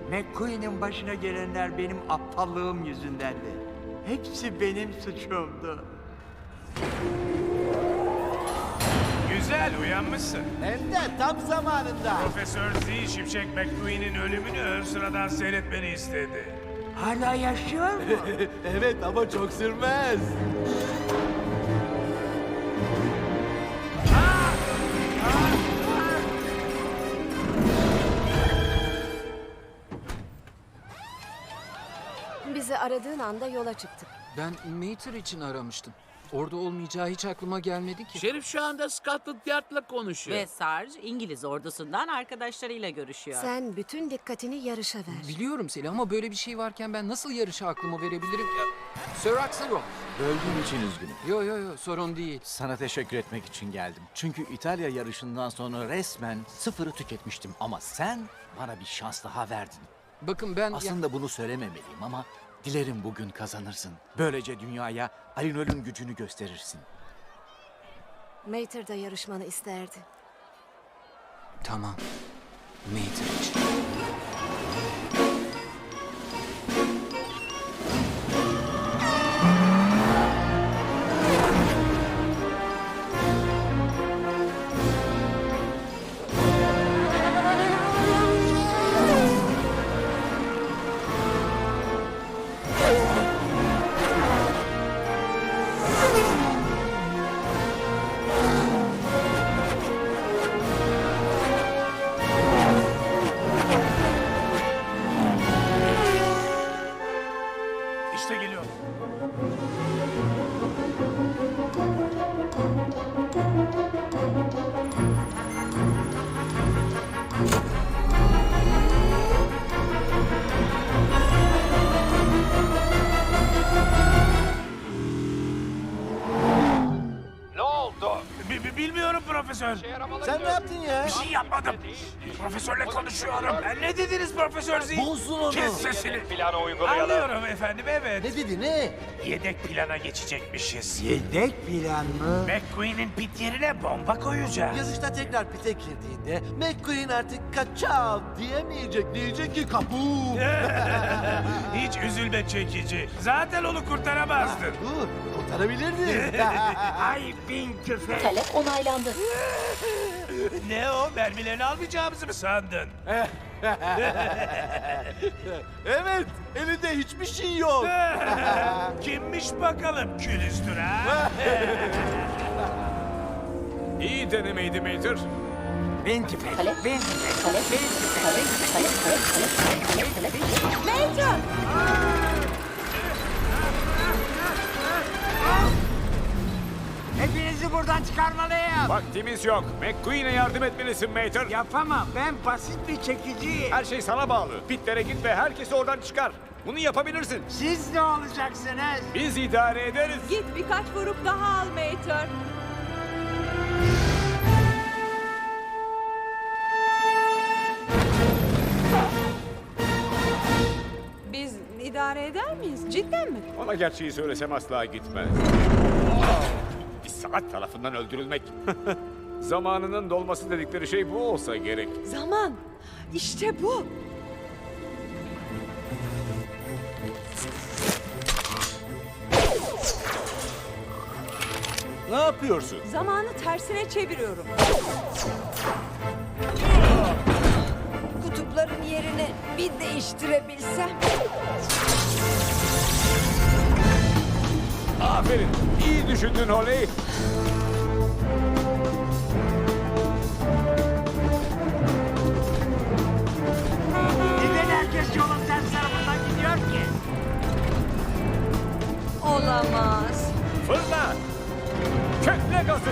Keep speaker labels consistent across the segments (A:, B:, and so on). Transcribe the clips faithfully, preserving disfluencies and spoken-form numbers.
A: McQueen'in başına gelenler benim aptallığım yüzündendi. Hepsi benim suçumdu.
B: Güzel, uyanmışsın.
C: Hem de tam zamanında.
B: Profesör Z. Şimşek McQueen'in ölümünü ön sıradan seyretmeni istedi.
A: Hala yaşıyor mu?
C: Evet ama çok sürmez.
D: Bizi aradığın anda yola çıktık.
E: Ben Mater için aramıştım. Orada olmayacağı hiç aklıma gelmedi ki.
F: Şerif şu anda Scotland Yard'la konuşuyor.
G: Ve Sarge İngiliz ordusundan arkadaşlarıyla görüşüyor.
D: Sen bütün dikkatini yarışa ver.
E: Biliyorum Seli ama böyle bir şey varken ben nasıl yarışa aklımı verebilirim? Ya, Sir Axelrod.
C: Böldüğüm için üzgünüm.
E: Yo yo yo sorun değil.
C: Sana teşekkür etmek için geldim. Çünkü İtalya yarışından sonra resmen sıfırı tüketmiştim. Ama sen bana bir şans daha verdin.
E: Bakın ben...
C: Aslında bunu söylememeliyim ama dilerim bugün kazanırsın. Böylece dünyaya Alinol'ün gücünü gösterirsin.
D: Mater da yarışmanı isterdi.
E: Tamam. Mater için.
B: İşte geliyor.
F: Ne oldu?
B: Bi- bi- bilmiyorum profesör.
C: Sen ne yaptın ya?
B: Bir şey yapmadım. Profesörle konuşuyorum. Ben ne dediniz Profesör Z?
C: Bozdun onu.
B: Kes sesini.
F: Planı uygulayalım.
B: Anlıyorum efendim, evet.
C: Ne dedi ne?
B: Yedek plana geçecekmişiz.
A: Yedek plan mı?
B: McQueen'in pit yerine bomba koyacağız.
C: Yarışta tekrar pite girdiğinde McQueen artık kaçav diyemeyecek. Diyecek ki kapu.
B: Hiç üzülme çekici. Zaten onu kurtaramazdın.
C: Dur, kurtarabilirdi.
A: Ay bin tüfek.
D: Talep onaylandı.
B: Ne o? Mermilerini almayacağımızı mı sandın?
C: Evet, elinde hiçbir şey yok.
B: Kimmiş bakalım külüstür ha?
F: İyi denemeydi Mater.
A: Bin tüfek. Bin tüfek. Bin tüfek.
D: Mater!
A: Hepinizi buradan çıkarmalıyım.
F: Vaktimiz yok. McQueen'e yardım etmelisin Mater.
A: Yapamam. Ben basit bir çekiciyim.
F: Her şey sana bağlı. Pitlere git ve herkesi oradan çıkar. Bunu yapabilirsin.
A: Siz ne olacaksınız?
F: Biz idare ederiz.
H: Git birkaç vurup daha al Mater. Biz idare eder miyiz? Cidden mi?
F: Ona gerçeği söylesem asla gitmez. Bir saat tarafından öldürülmek. Zamanının dolması dedikleri şey bu olsa gerek.
H: Zaman. İşte bu.
F: Ne yapıyorsun?
H: Zamanı tersine çeviriyorum. Kutupların yerini bir değiştirebilsem.
F: Aferin. İyi düşündün Holly.
A: Neden herkes yolun ters tarafından gidiyor ki?
H: Olamaz.
F: Fırla. Kökle gazı.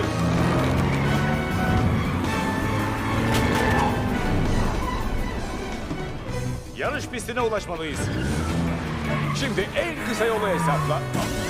F: Yarış pistine ulaşmalıyız. Şimdi en kısa yolu hesapla.